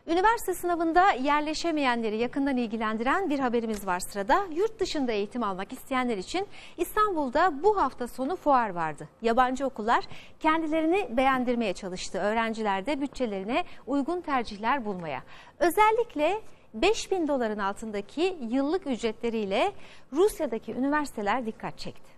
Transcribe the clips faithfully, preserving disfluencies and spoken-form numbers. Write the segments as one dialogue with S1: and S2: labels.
S1: Üniversite sınavında yerleşemeyenleri yakından ilgilendiren bir haberimiz var sırada. Yurt dışında eğitim almak isteyenler için İstanbul'da bu hafta sonu fuar vardı. Yabancı okullar kendilerini beğendirmeye çalıştı. Öğrenciler de bütçelerine uygun tercihler bulmaya. Özellikle beş bin doların altındaki yıllık ücretleriyle Rusya'daki üniversiteler dikkat çekti.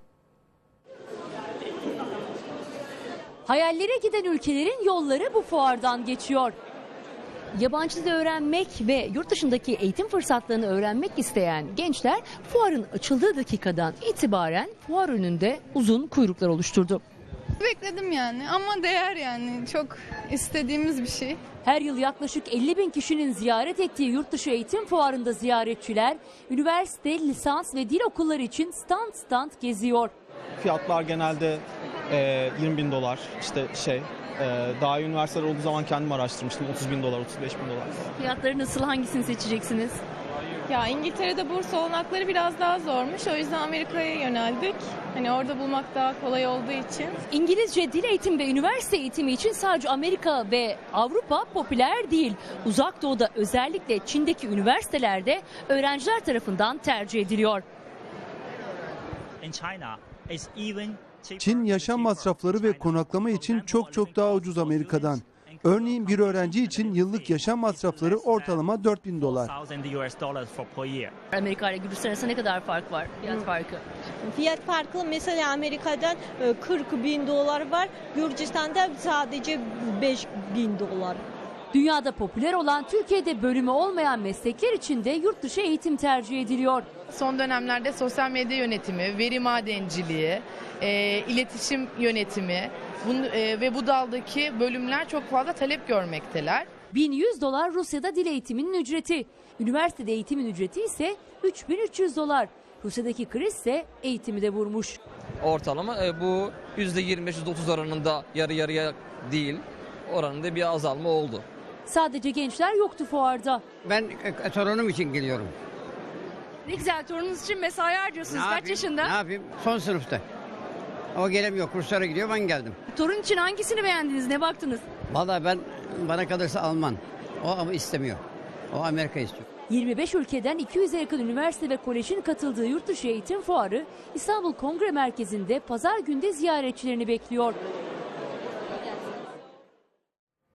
S2: Hayallere giden ülkelerin yolları bu fuardan geçiyor. Yabancı dil öğrenmek ve yurt dışındaki eğitim fırsatlarını öğrenmek isteyen gençler fuarın açıldığı dakikadan itibaren fuar önünde uzun kuyruklar oluşturdu.
S3: Bekledim yani ama değer yani, çok istediğimiz bir şey.
S2: Her yıl yaklaşık elli bin kişinin ziyaret ettiği yurtdışı eğitim fuarında ziyaretçiler üniversite, lisans ve dil okulları için stand stand geziyor.
S4: Fiyatlar genelde e, yirmi bin dolar, işte şey e, daha iyi üniversiteler olduğu zaman kendim araştırmıştım, otuz bin dolar, otuz beş bin dolar.
S2: Fiyatları nasıl, hangisini seçeceksiniz?
S3: Ya İngiltere'de burs olanakları biraz daha zormuş, o yüzden Amerika'ya yöneldik. Hani orada bulmak daha kolay olduğu için.
S2: İngilizce dil eğitimi ve üniversite eğitimi için sadece Amerika ve Avrupa popüler değil. Uzak Doğu'da, özellikle Çin'deki üniversitelerde öğrenciler tarafından tercih ediliyor.
S5: Çin yaşam masrafları ve konaklama için çok çok daha ucuz Amerika'dan. Örneğin bir öğrenci için yıllık yaşam masrafları ortalama dört bin dolar.
S2: Amerika ile Gürcistan arasında ne kadar fark var? Fiyat farkı.
S6: Fiyat farkı mesela Amerika'dan kırk bin dolar var, Gürcistan'da sadece beş bin dolar.
S2: Dünyada popüler olan, Türkiye'de bölümü olmayan meslekler için de yurt dışı eğitim tercih ediliyor.
S7: Son dönemlerde sosyal medya yönetimi, veri madenciliği, e, iletişim yönetimi bunu, e, ve bu daldaki bölümler çok fazla talep görmekteler.
S2: bin yüz dolar Rusya'da dil eğitiminin ücreti. Üniversitede eğitimin ücreti ise üç bin üç yüz dolar. Rusya'daki kriz ise eğitimi de vurmuş.
S8: Ortalama e, bu yüzde yirmi beş yüzde otuz oranında, yarı yarıya değil, oranında bir azalma oldu.
S2: Sadece gençler yoktu fuarda.
S9: Ben e, torunum için geliyorum.
S2: Ne güzel, torununuz için mesai harcıyorsunuz. Kaç yaşında?
S9: Ne yapayım? Son sınıfta. O gelemiyor, kurslara gidiyor, ben geldim.
S2: Torun için hangisini beğendiniz, ne baktınız?
S9: Vallahi ben, bana kalırsa Alman. O ama istemiyor. O Amerika istiyor.
S2: yirmi beş ülkeden iki yüze yakın üniversite ve kolejin katıldığı yurtdışı eğitim fuarı İstanbul Kongre Merkezi'nde pazar günde ziyaretçilerini bekliyor.